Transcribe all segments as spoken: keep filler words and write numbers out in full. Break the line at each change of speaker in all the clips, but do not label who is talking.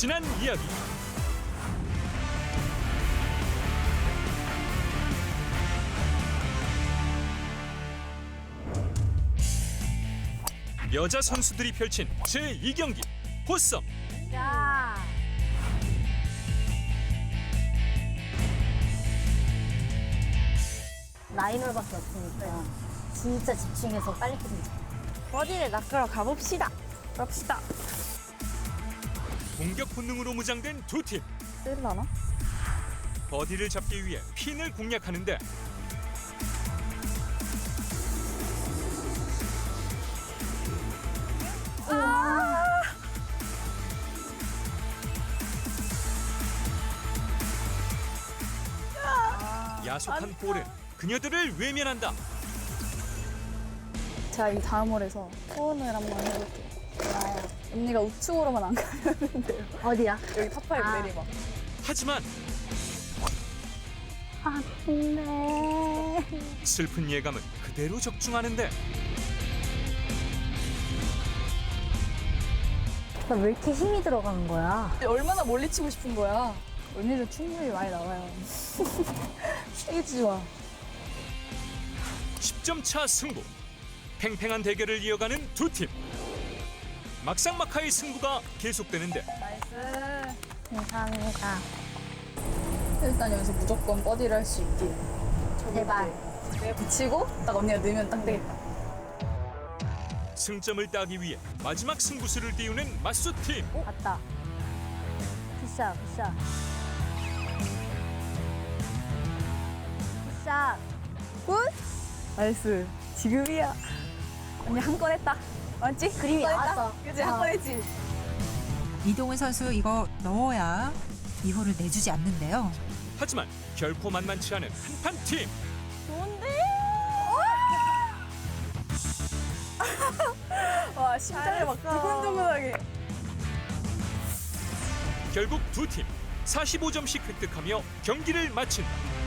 지난 이야기. 여자 선수들이 펼친 제이 경기 보썸.
야. 라이널밖에 없으니까 진짜 집중해서 빨리 끝내자.
버디를 낚으러 가봅시다. 갑시다.
공격 본능으로 무장된 두 팀.
쓸라나?
버디를 잡기 위해 핀을 공략하는데 야속한 볼은 그녀들을 외면한다.
자, 이 다음 홀에서 소원을 한번 해볼게요. 언니가 우측으로만 안 가면 돼요.
어디야?
여기 파파이브
아.
내리막.
하지만
아, 근데.
슬픈 예감은 그대로 적중하는데
나 왜 이렇게 힘이 들어가는 거야?
얼마나 멀리 치고 싶은 거야. 언니도 충분히 많이 나와요. 세게 치지 마.
십 점 차 승부. 팽팽한 대결을 이어가는 두 팀. 막상막하의 승부가 계속되는데
나이스.
감사합니다.
일단 여기서 무조건 버디를 할 수 있게.
제발.
내가 붙이고 딱 언니가 넣으면 딱 되겠다.
승점을 따기 위해 마지막 승부수를 띄우는 맞수 팀.
갔다. 굿샷, 굿샷. 굿샷.
굿! 나이스. 지금이야. 언니 한 건 했다. 맞지?
그림이
한 건
나왔어.
했다. 그치? 한
어.
건 했지?
이동훈 선수 이거 넣어야 이 홀을 내주지 않는데요.
하지만 결코 만만치 않은 한판 팀.
좋은데? 와, 심장이 막 두근두근하게.
결국 두 팀 사십오 점씩 획득하며 경기를 마친다.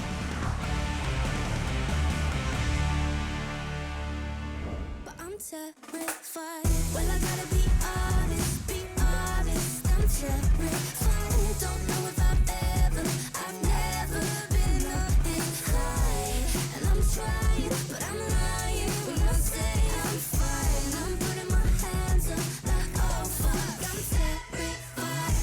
But I'm terrified. Well, I gotta be honest, be honest. I'm terrified. Don't know if I've ever, I've never been this high. And I'm trying, but I'm lying when I say I'm fine. I'm putting my hands up, like oh fuck, I'm terrified.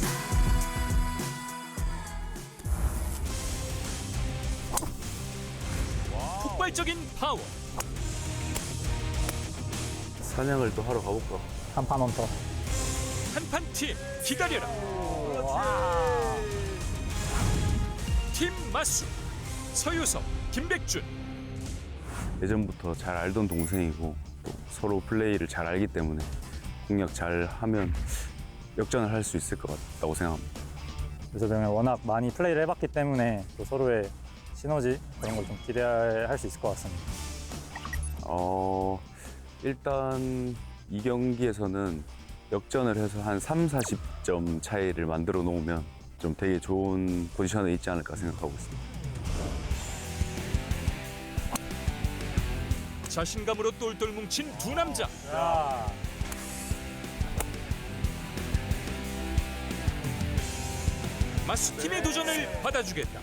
폭발적인 파워.
사냥을 또 하러 가볼까?
한 판 원터.
한판 팀 기다려라. 팀 맞수 서유석, 김백준.
예전부터 잘 알던 동생이고 또 서로 플레이를 잘 알기 때문에 공략 잘 하면 역전을 할 수 있을 것 같다고 생각합니다.
그래서 저는 워낙 많이 플레이를 해봤기 때문에 또 서로의 시너지 그런 걸 좀 기대할 수 있을 것 같습니다.
어, 일단 이 경기에서는 역전을 해서 한 삼, 사십 점 차이를 만들어 놓으면 좀 되게 좋은 포지션에 있지 않을까 생각하고 있습니다.
자신감으로 똘똘 뭉친 두 남자. 맞수 팀의 도전을 받아주겠다.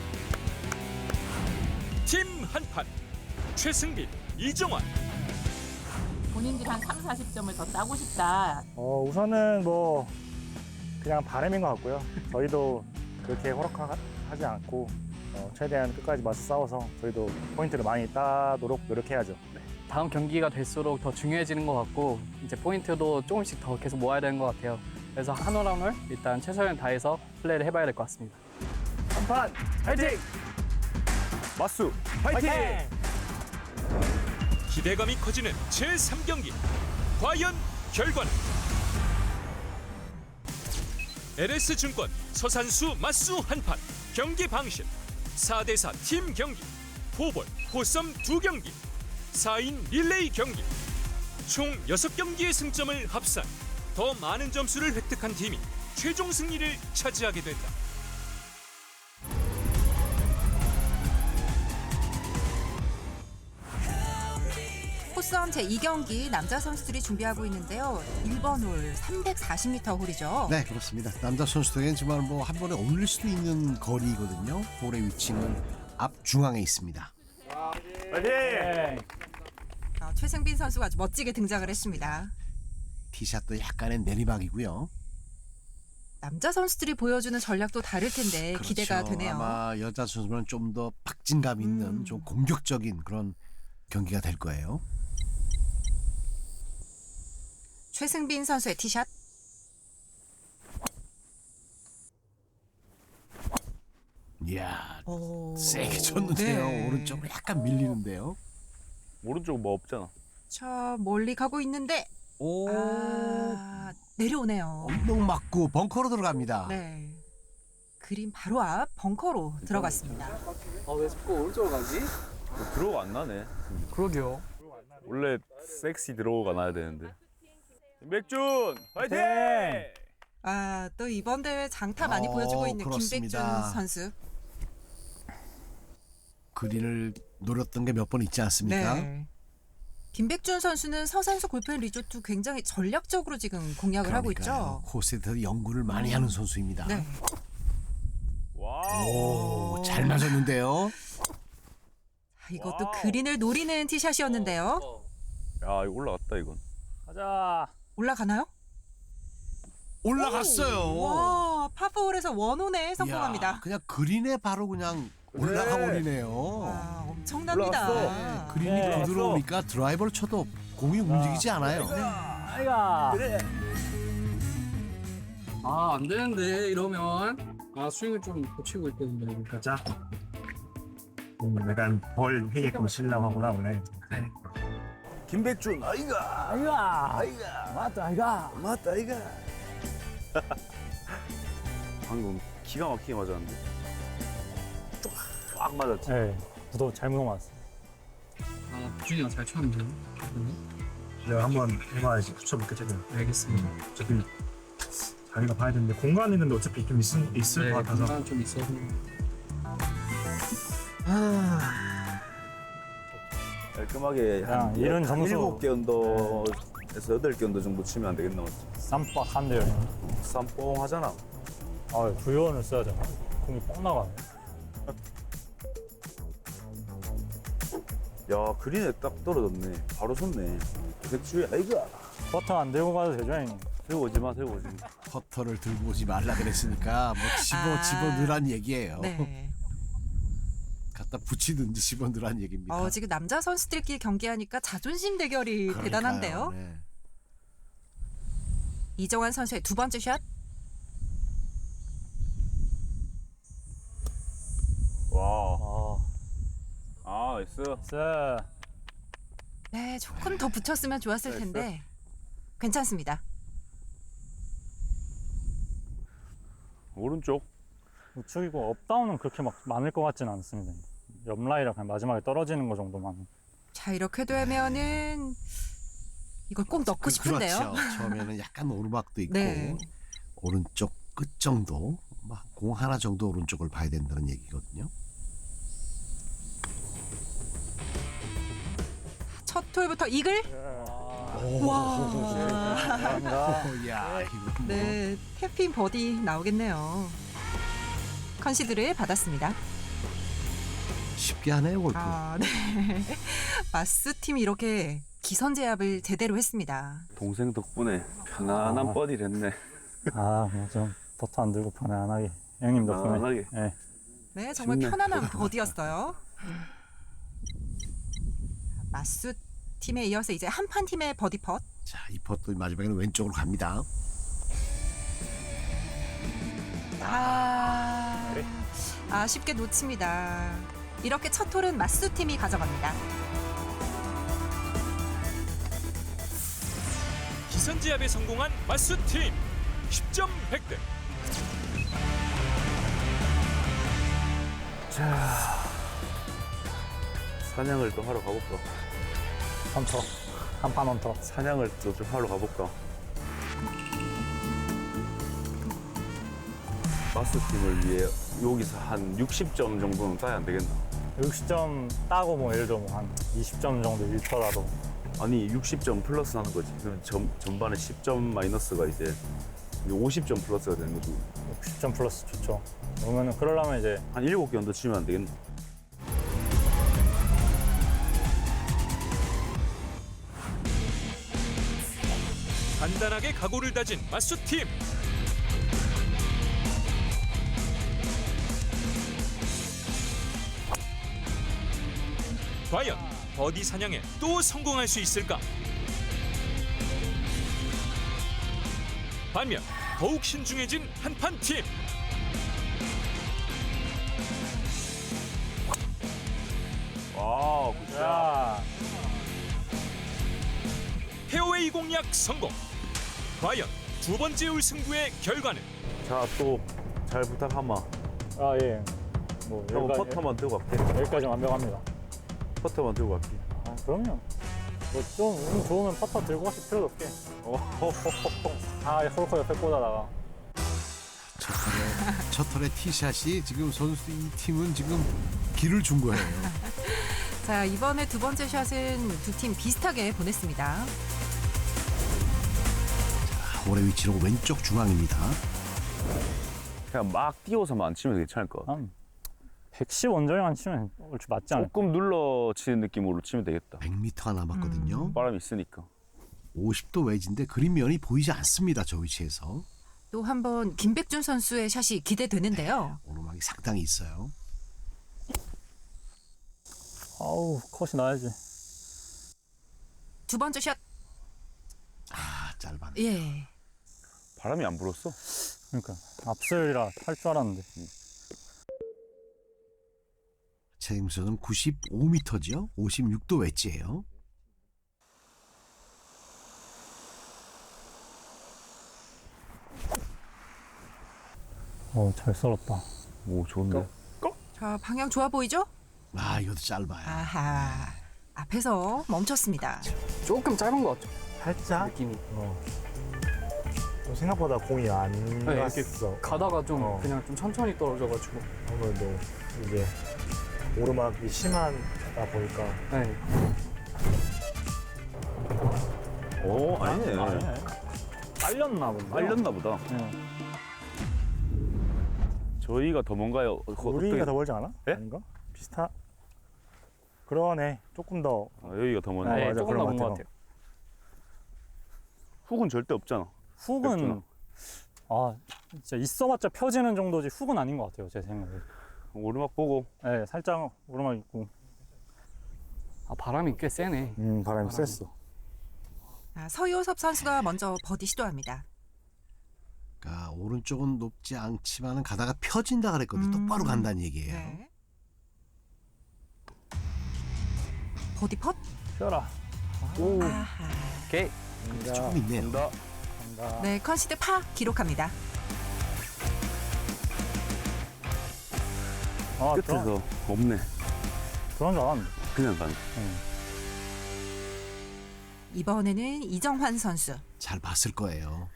팀 한판 최승빈, 이정환.
본인들이 한 삼, 사십 점을 더 따고 싶다.
어, 우선은 뭐 그냥 바람인 것 같고요. 저희도 그렇게 호락하지 않고 어, 최대한 끝까지 맞서 싸워서 저희도 포인트를 많이 따도록 노력해야죠.
다음 경기가 될수록 더 중요해지는 것 같고 이제 포인트도 조금씩 더 계속 모아야 되는 것 같아요. 그래서 한 올 한 올 일단 최선을 다해서 플레이를 해봐야 될 것 같습니다.
한판 파이팅! 맞수 파이팅!
기대감이 커지는 제삼 경기. 과연 결과는? 엘에스증권 서산수 맞수 한판. 경기 방식 사 대 사 팀 경기. 포볼, 포썸 두 경기. 사 인 릴레이 경기. 총 여섯 경기의 승점을 합산. 더 많은 점수를 획득한 팀이 최종 승리를 차지하게 된다.
포섬 제이 경기 남자 선수들이 준비하고 있는데요. 일 번 홀 삼백사십 미터 홀이죠.
네, 그렇습니다. 남자 선수들에겐 정말 뭐 한 번에 올릴 수도 있는 거리거든요. 홀의 위치는 앞 중앙에 있습니다.
파이팅!
어, 최승빈 선수가 아주 멋지게 등장을 했습니다.
티샷도 약간의 내리막이고요.
남자 선수들이 보여주는 전략도 다를 텐데
그렇죠.
기대가 되네요.
아마 여자 선수는 좀 더 박진감 있는
음.
좀 공격적인 그런 경기가 될 거예요.
최승빈 선수의 티샷.
이야,
오.
세게 쳤는데요.
네.
오른쪽으로 약간 밀리는데요.
오른쪽 뭐 없잖아.
자, 멀리 가고 있는데
오,
아, 내려오네요.
엉덩 맞고 벙커로 들어갑니다.
네. 그린 바로 앞 벙커로 들어갔습니다.
아, 왜 자꾸 오른쪽으로 가지?
들어가 안 나네.
그러게요.
원래 섹시 들어가 나야 되는데. 김백준 화이팅!
아, 또 이번 대회 장타 많이
어,
보여주고 있는
그렇습니다.
김백준 선수.
그린을 노렸던 게 몇 번 있지 않습니까?
네. 김백준 선수는 서산수 골프앤 리조트 굉장히 전략적으로 지금 공략을 하고
그러니까요.
있죠.
코스에 대해서 연구를 많이 하는 선수입니다.
네.
와우.
오, 잘 맞았는데요.
자, 이것도
와우.
그린을 노리는 티샷이었는데요.
야 이거 올라갔다 이건.
가자.
올라가나요?
올라갔어요.
와, 파포홀에서 원온에 성공합니다.
이야, 그냥 그린에 바로 그냥 올라가 버리네요.
와, 엄청납니다.
올라갔어.
그린이
네,
부드러우니까 드라이버를 쳐도 공이 움직이지 않아요.
아이가.
아, 안 되는데 이러면 아 스윙을 좀 고치고 있거든요.
가자. 음, 약간 벌 회게끔 치려고 하구나 오늘.
김백준 아이가.
아이가. 아이가. 맞다 아이가.
맞다 아이가. 방금 기가 막히게 맞았는데. 쫙 맞았지.
네. 구도 잘못 맞았어.
아, 부준이가 잘 쳤는데요.
내가 한번 해봐야지 붙여볼게 제가.
알겠습니다.
어차피 자기가 봐야 되는데 공간 있는데 어차피 좀 있을, 있을
네,
것 같아서.
공간 좀 있어서.
깔끔하게
야,
한
이런 점수.
일곱 개 언더에서 여덟 개 언더 정도 치면 안 되겠나?
쌈박한데요.
쌈뽕 하잖아.
아, 구요원을 써야 되나? 공이 뻥 나가네.
야 그린에 딱 떨어졌네. 바로 섰네. 백주야 아이가.
버튼 안 들고 가도 되죠, 형님?
들고 오지 마, 들고 오지 마.
퍼터를 들고 오지 말라 그랬으니까 뭐 집어
아.
집어 넣으란 얘기예요.
네.
갖다 붙이든지 집어 넣으란 얘기입니다.
어, 지금 남자 선수들끼리 경기하니까 자존심 대결이
그러니까요.
대단한데요.
네.
이정환 선수의 두 번째 샷.
와.
아,
아 나이스.
쎄.
네, 조금 더 붙였으면 좋았을
나이스.
텐데 괜찮습니다.
오른쪽.
우측이고 업다운은 그렇게 막 많을 것 같지는 않습니다. 옆라이라 그냥 마지막에 떨어지는 거 정도만.
자, 이렇게 되면은 이걸 꼭 넣고
그,
싶은데요.
그렇죠. 처음에는 약간 오르막도 있고
네.
오른쪽 끝 정도, 막 공 하나 정도 오른쪽을 봐야 된다는 얘기거든요.
첫 홀부터 이글. 와.
오, 야, 이거 뭐
네, 태핑 버디 나오겠네요. 컨시드를 받았습니다.
쉽게 하네요 골프.
아, 네. 마스 팀이 이렇게 기선 제압을 제대로 했습니다.
동생 덕분에 편안한
아.
버디를 했네.
아, 뭐 좀 버튼 안 들고 편안하게. 형님 덕분에.
편안하게.
네.
네, 정말
쉽네.
편안한 버디였어요. 마스 팀에 이어서 이제 한판 팀의 버디 펫.
자, 이 퍼도 마지막에는 왼쪽으로 갑니다.
아, 아쉽게 놓칩니다. 이렇게 첫 홀은 마스 팀이 가져갑니다.
기선 제압에 성공한 마수 팀 십 점 획득.
자 사냥을 또 하러 가볼까?
헌터. 한판 헌터.
사냥을 또 좀 하러 가볼까? 마스 팀을 위해 여기서 한 육십 점 정도는 따야 안 되겠나?
육십 점 따고 뭐 예를 들어 뭐 한 이십 점 정도 잃더라도
아니 육십 점 플러스 하는 거지. 그럼 전, 전반에 십 점 마이너스가 이제 오십 점 플러스가 되는 거지.
육십 점 플러스 좋죠. 그러면 그러려면 이제
한 일곱 개 언더 치면 안 되겠나?
단단하게 각오를 다진 맞수 팀. 과연 버디 사냥에 또 성공할 수 있을까? 반면 더욱 신중해진 한판 팀.
와, 굿샷.
야,
페어웨이 공략 성공. 과연 두 번째 울승부의 결과는?
자, 또 잘 부탁하마.
아 예. 뭐
형
여기까지,
퍼터만 들고 갈게.
여기까지 완벽합니다.
퍼터만 들고 갈게.
아 그럼요. 뭐좀 운 좋으면 퍼터 들고 가실 필요도 없게. 아 홀커 옆에 꽂아다가.
첫 털에 첫 털에 티샷이 지금 선수 이 팀은 지금 길을 준 거예요.
자, 이번에 두 번째 샷은 두 팀 비슷하게 보냈습니다.
홀의 위치는 왼쪽 중앙입니다.
그냥 막 띄워서만 안 치면 괜찮을 것 같아.
한 백십 원정에만 치면 얼추 맞지 않을까?
조금 눌러 치는 느낌으로 치면 되겠다.
백 미터가 남았거든요.
바람이 있으니까.
오십 도 웨지인데 그린면이 보이지 않습니다. 저 위치에서.
또 한 번 김백준 선수의 샷이 기대되는데요.
오르막이 상당히 있어요.
아우 컷이 나야지.
두 번째 샷.
아 짧았네.
예.
바람이 안 불었어.
그러니까 앞슬이라 할 줄 알았는데.
책임선은 구십오 미터죠. 오십육 도 웨지예요.
어 잘 썰었다.
오, 좋은데.
자, 방향 좋아 보이죠?
아 이것도 짧아요.
아하. 앞에서 멈췄습니다.
조금 짧은 것 같죠?
살짝.
느낌이.
어. 좀 생각보다 공이 안
네, 이렇게
갔어.
가다가 좀
어.
그냥 좀 천천히 떨어져가지고.
아무래도 이제 오르막이 심하다 보니까.
네.
오, 아니네.
아니네. 빨렸나 본데.
빨렸나 보다.
네.
저희가 더 뭔가요? 어,
우리가
어떻게-
더 멀지 않아?
예?
아닌가? 비슷하. 그러네. 조금 더.
아, 여기가 더 먼저.
네,
네,
맞아,
조금
그런
넘은
것
것
같아요.
같아요.
훅은 절대 없잖아.
훅은
백준아.
아 진짜 있어봤자 펴지는 정도지 훅은 아닌 것 같아요 제 생각에.
오르막 보고.
네, 살짝 오르막 있고.
아, 바람이 꽤 세네.
음 바람이 셌어.
자, 서효섭 선수가 먼저 버디 시도합니다.
그러니까 오른쪽은 높지 않지만은 가다가 펴진다 그랬거든요.
음.
똑바로 간다는 얘기예요.
네. 버디 펫.
펴라.
오,
아하.
오케이.
간다.
조금 있네요.
간다.
간다.
네, 컨시드 파 기록합니다.
아 그런
끝에서 없네.
그런 줄 알았는데.
그냥 가네.
이번에는 이정환 선수.
잘 봤을 거예요.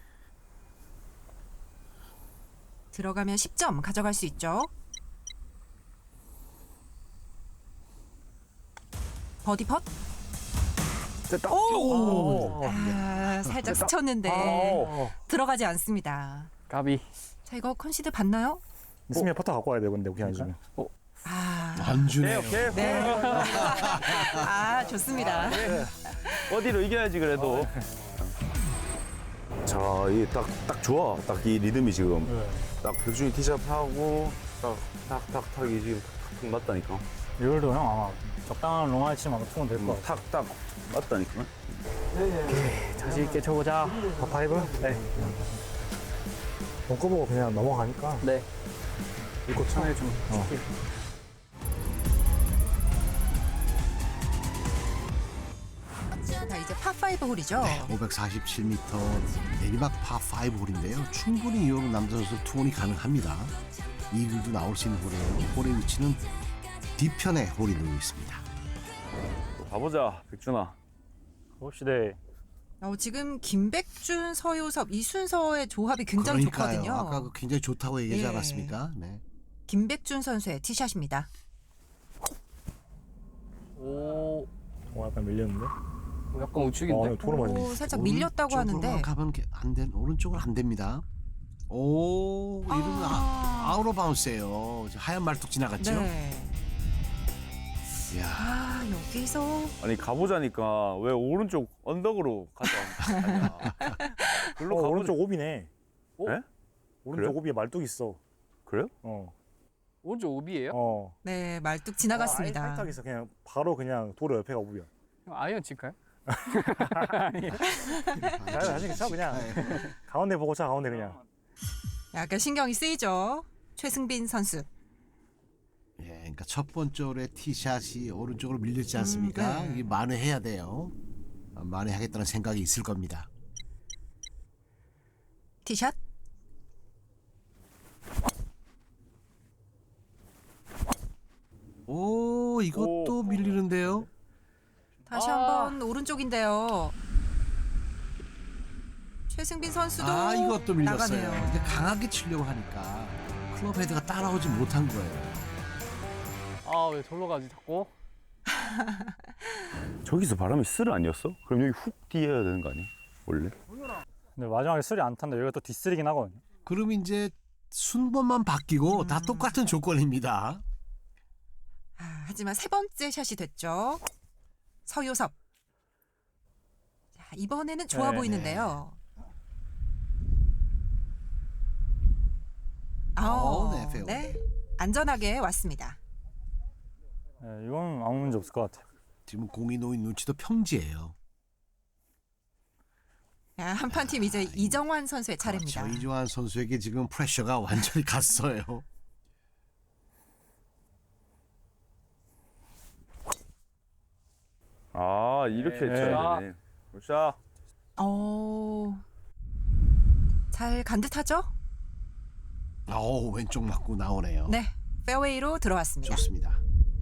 들어가면 십 점 가져갈 수 있죠. 버디 펫.
됐다.
오.
아, 살짝 스쳤는데
어.
들어가지 않습니다.
까비.
자, 이거 컨시드 봤나요?
있으면 퍼터 갖고 와야 돼 근데 그냥 지금.
아,
안 주네요.
오케이, 오케이.
네. 아, 좋습니다.
어디로 이겨야지 그래도. 자, 이 딱 딱 좋아. 딱 이 리듬이 지금
네.
딱 백준이 티샷 하고 딱딱딱 탁이 지금 탁탁 맞다니까.
이걸도 형 아마 적당한 롱아이 치면 아마 통은 될 것
음,
같아.
탁딱 맞다니까.
자신 있게 쳐보자.
파파이브? 네. 벙커 보고 그냥 넘어가니까.
네.
이거 쳐.
처음에 좀.
어.
자, 이제 파5 홀이죠.
오백사십칠 미터 내리막 파5 홀인데요. 충분히 이 홀은 남자 선수 투혼이 가능합니다. 이글도 나올 수 있는 홀이에요. 홀의 위치는 뒤편에 홀이 놓여 있습니다.
가보자, 백준아.
봅시다.
어, 지금 김백준, 서효섭 이 순서의 조합이 굉장히
그러니까요.
좋거든요.
아까 그 굉장히 좋다고 얘기하지
예.
않았습니까? 네.
김백준 선수의 티샷입니다.
오,
어, 약간 밀렸는데?
약간 우측인데.
어, 도로 맞네.
오, 살짝 밀렸다고
오른쪽으로만
하는데.
가면 안 된, 오른쪽은 안 됩니다. 오, 이러면 아, 아웃 오브 바운스예요. 하얀 말뚝 지나갔죠?
네.
이야.
아, 여기서
아니 가보자니까 왜 오른쪽 언덕으로 가자 하냐. 글로
어,
가보자.
오른쪽 오비네.
어? 네?
오른쪽
그래요?
오비에 말뚝 있어.
그래요?
어.
오른쪽 오비예요?
어.
네, 말뚝 지나갔습니다.
아, 아예 살짝 있어. 그냥 바로 그냥 도로 옆에가 오비야.
형 아이언 칠까요?
자, 사실 쳐 그냥 가운데 보고 차 가운데 그냥.
약간 신경이 쓰이죠. 최승빈 선수.
예, 그러니까 첫 번째 홀에 티샷이 오른쪽으로 밀렸지 않습니까?
음, 네.
이게 만회해야 돼요. 아, 만회하겠다는 생각이 있을 겁니다.
티샷.
오, 이것도 밀리는데요.
다시
아.
한번 오른쪽인데요. 최승빈 선수도
아, 이것도 밀렸어요.
나가네요.
근데 강하게 치려고 하니까 클럽 헤드가 따라오지 못한 거예요.
아 왜 절로 가지 자꾸?
저기서 바람이 쓸 아니었어? 그럼 여기 훅 뛰어야 되는 거 아니야? 원래?
근데 마지막에 쓰리 안 탄다. 여기가 또 뒷쓰리긴 하거든요.
그럼 이제 순번만 바뀌고 다 똑같은 조건입니다.
아, 하지만 세 번째 샷이 됐죠. 서효섭. 자, 이번에는 좋아
네,
보이는데요.
어,
아우,
네, 페어웨이.
네, 안전하게 왔습니다.
네, 이건 아무 문제 없을 것 같아요.
지금 공이 놓인 눈치도 평지예요.
자, 한판 팀 이제 이정환 선수의 차례입니다.
그렇죠. 이조한 선수에게 지금 프레셔가 완전히 갔어요.
아 이렇게
네.
쳐야 되네. 자,
오, 잘 간 듯하죠?
오, 왼쪽 맞고 나오네요.
네, 페어웨이로 들어왔습니다.
좋습니다.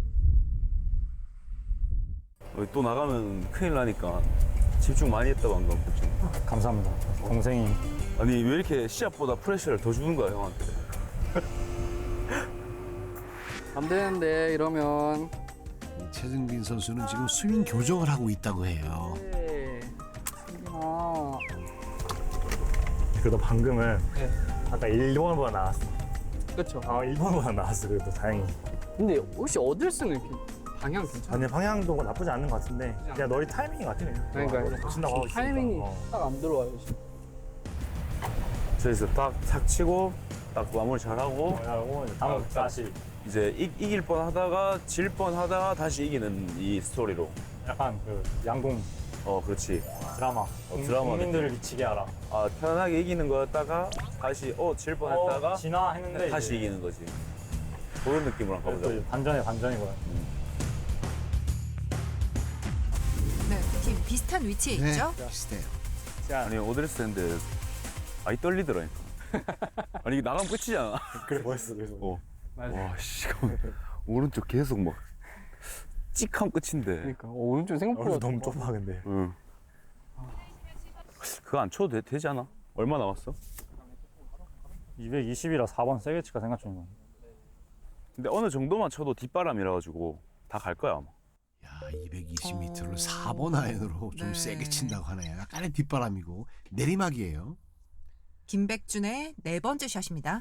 어, 또 나가면 큰일 나니까 집중 많이 했다 방금. 그치?
감사합니다. 동생이
아니 왜 이렇게 시합보다 프레셔를 더 주는 거야 형한테?
안 되는데 이러면.
이 최승빈 선수는 지금 스윙 교정을 하고 있다고 해요.
네. 승빈아.
그래도 방금은
네.
아까 일 번보다 나왔어.
그렇죠.
아, 일 번보다 나왔어. 그래도 다행히.
근데 혹시 어들스는 이렇게 방향 괜찮아?
아니 방향도 나쁘지 않는 것 같은데 그냥 너희 타이밍이 같아.
그러니까
고친다고 하고 있으니까.
타이밍이
어.
딱 안 들어와요 지금.
저기서 딱탁 치고 딱 마무리 잘하고
하고 이제 다음
어,
다시
이제 이, 이길 뻔하다가 질 뻔하다가 다시 이기는 이 스토리로.
약간 그 양궁
어 그렇지.
드라마.
어, 드라마
국민들을 미치게 하라.
아 편안하게 이기는 거였다가 다시 어질 뻔했다가
어, 지나 했는데
다시
이제
이기는 거지. 그런 느낌으로 한번
또
가보자.
이제 반전에 반전이고요.
네, 팀 비슷한 위치에
네,
있죠?
비슷해요.
자,
아니 오드레스 했는데 많이 떨리더라니까. 아니 이게 나가면 끝이잖아.
그래 멋있어. 그래서
어.
맞아.
와 씨. 오른쪽 계속 막 찍하면 끝인데.
그러니까 어, 오른쪽
얼굴
생각보다
너무 좁아 근데.
응. 그거 안 쳐도 되, 되지 않아? 얼마 남았어?
이백이십이라 사 번 세게 칠까 생각 중이거든.
근데 어느 정도만 쳐도 뒷바람이라 가지고 다 갈 거야 아마.
야, 이백이십 미터를
어.
사 번 아이언으로 좀
네.
세게 친다고 하네요. 약간의 뒷바람이고 내리막이에요.
김백준의 네 번째 샷입니다.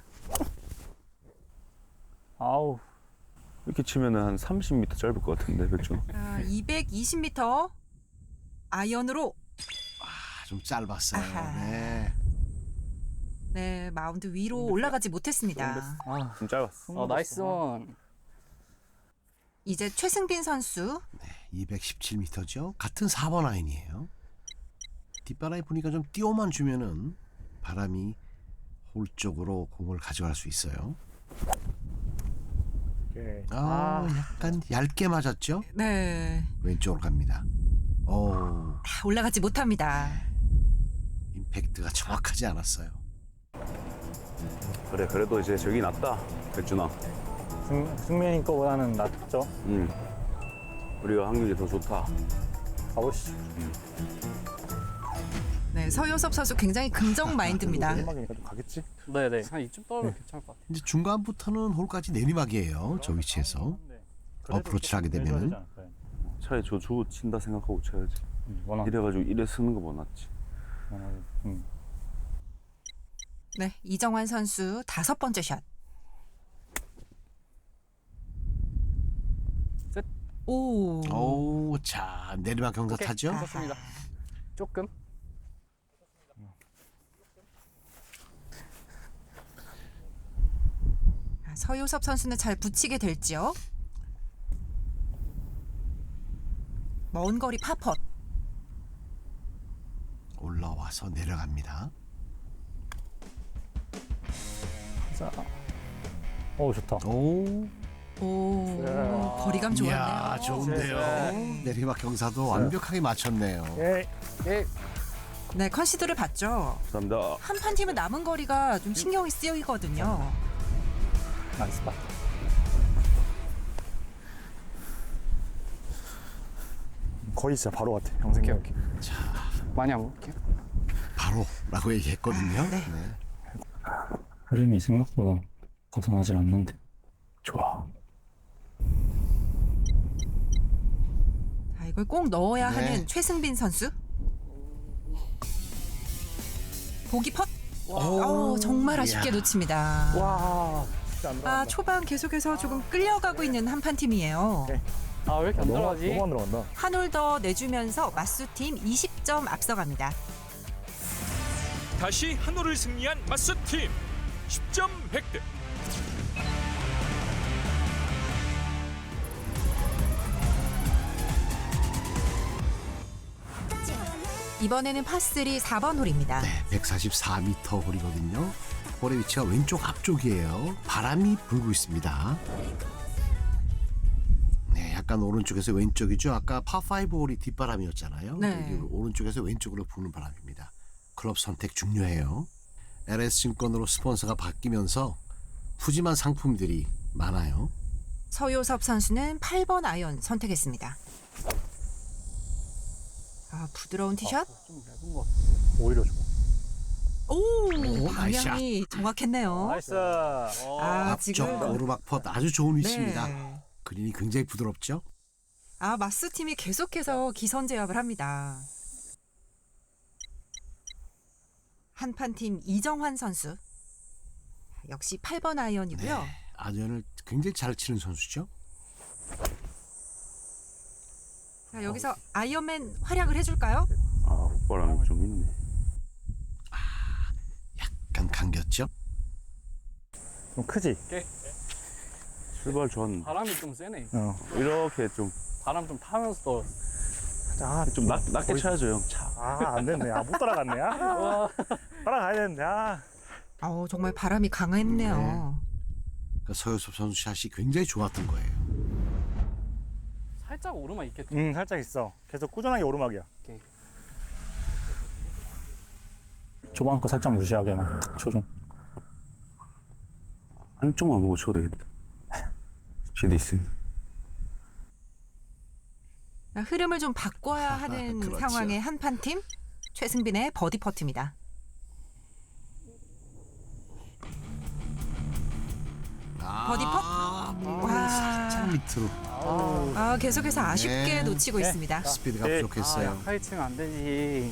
아우.
이렇게 치면은 한 삼십 미터 짧을 것 같은데 백준.
아, 이백이십 미터 아이언으로
아, 좀 짧았어요.
아하.
네.
네, 마운드 위로 올라가지 못했습니다.
아,
좀 짧았어.
어, 나이스 원.
이제 최승빈 선수.
이백십칠 미터죠. 같은 사 번 아이언이에요. 뒷바람이 부니까 좀 띄워만 주면은 바람이 홀 쪽으로 공을 가져갈 수 있어요.
오케이.
아, 약간 얇게 맞았죠?
네,
왼쪽으로 갑니다. 오,
아, 올라가지 못합니다.
임팩트가 정확하지 않았어요.
그래 그래도 이제 저기 낫다 백준아.
승, 승민이 거보다는 낫죠.
응. 우리가 확률이 더 좋다.
가보시죠.
네, 서효섭 선수 굉장히 긍정 마인드입니다.
음악이니까 좀 가겠지?
네네. 한 이쯤 떨어면 괜찮을 것 같아요.
이제 중간부터는 홀까지 내리막이에요. 저 위치에서.
그래도
어프로치를 하게
좀
되면은.
내줘야 되지 않을까요?
차라리 저 주고 친다 생각하고 쳐야지.
음, 원하.
이래가지고 이래 쓰는 거 못 놨지.
원하. 음.
네, 이정환 선수 다섯 번째 샷.
셋.
오.
오, 자 내리막 경사
오케이,
타죠?
좋습니다. 조금.
서유섭 선수는 잘 붙이게 될지요. 먼 거리 파펫.
올라와서 내려갑니다.
자. 오 좋다.
오,
오,
야.
거리감 좋았네요.
이야, 좋은데요. 내리막 경사도 완벽하게 맞췄네요.
예.
예.
네, 컨시드를 봤죠.
감사합니다.
한 판 팀은 남은 거리가 좀 신경이 쓰이거든요.
나이스 파. 거의 진짜 바로 같아. 평생.
오케이 오케이. 자, 많이 안 볼게요.
바로라고 얘기했거든요.
네.
네.
흐름이 생각보다 벗어나질 않는데. 좋아.
자, 이걸 꼭 넣어야
네.
하는 최승빈 선수. 보기 펫. 어, 정말 아쉽게
이야.
놓칩니다.
와. 진짜 안 들어간다.
아, 초반 계속해서 조금 끌려가고 있는 한판 팀이에요.
네.
아, 왜 이렇게 안
너무
들어가지?
너무 안 들어간다.
한 홀 더 내주면서 마수팀 이십 점 앞서갑니다.
다시 한 홀을 승리한 맞수팀 십 점 획득.
이번에는 파쓰리 사 번 홀입니다.
네, 백사십사 미터 홀이거든요. 홀의 위치가 왼쪽 앞쪽이에요. 바람이 불고 있습니다. 네, 약간 오른쪽에서 왼쪽이죠. 아까 파오 홀이 뒷바람이었잖아요.
네.
여기 오른쪽에서 왼쪽으로 부는 바람입니다. 클럽 선택 중요해요. 엘에스증권으로 스폰서가 바뀌면서 푸짐한 상품들이 많아요.
서효섭 선수는 팔 번 아이언 선택했습니다. 아, 부드러운 티샷.
좀 얇은 것 같아.
오히려 좋아.
오,
오,
방향이 정확했네요.
나이스.
아,
앞쪽
지금
오르막 펫 아주 좋은 위치입니다.
네.
그린이 굉장히 부드럽죠.
아, 마스 팀이 계속해서 기선 제압을 합니다. 한판 팀 이정환 선수. 역시 팔 번 아이언이고요.
네, 아이언을 굉장히 잘 치는 선수죠.
자, 여기서 아이언맨 활약을 해줄까요?
아, 훅바람이 좀 있네.
약간 감겼죠.
좀 크지.
출발 좋았는데.
바람이 좀 세네.
어.
이렇게 좀,
바람 좀 타면서
아,
좀 낮, 낮게
거의-
쳐야죠, 형. 차.
아, 안 됐네. 아, 못 따라갔네. 아. 따라가야 되는데. 아.
어, 정말 바람이 강했네요.
그러니까 서효섭 선수 샷이 굉장히 좋았던 거예요.
살짝 오르막 있겠죠.
음, 살짝 있어. 계속 꾸준하게 오르막이야.
오케이.
초반 거 살짝 무시하게만 초중.
한쪽만 보고 쳐도 되겠다. 지도 있으니.
흐름을 좀 바꿔야 하는
그렇죠.
상황의 한판 팀 최승빈의 버디 퍼트입니다. 버디 펫. 와.
살짝 밑으로
아, 계속해서 아쉽게
네.
놓치고
네.
있습니다.
스피드가
네.
아,
부족했어요.
약하게 치면 안 되지.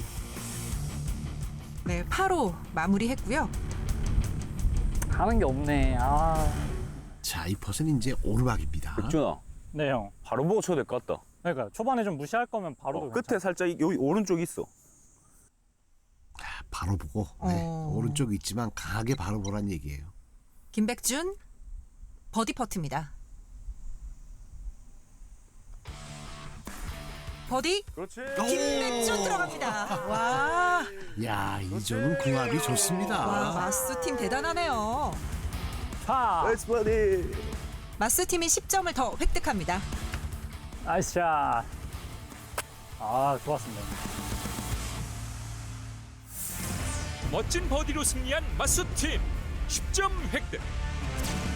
네, 팔 호 마무리했고요.
하는 게 없네. 아.
자, 이 퍼센트 이제 오르막입니다.
백준아,
네, 형.
바로 보고 쳐도 될 것 같다.
그러니까 초반에 좀 무시할 거면 바로
어, 끝에 살짝 이- 여기 오른쪽 있어.
바로 보고 네,
어.
오른쪽이 있지만 강하게 바로 보란 얘기예요.
김백준 버디 퍼트입니다. 버디
그렇지.
김백준 들어갑니다. 와,
야, 이 점은 궁합이 좋습니다.
와 마스 팀 대단하네요.
파.
나이스 버디.
마스 팀이 십 점을 더 획득합니다.
나이스 샷. 아, 좋았습니다.
멋진 버디로 승리한 맞수팀 십 점 획득.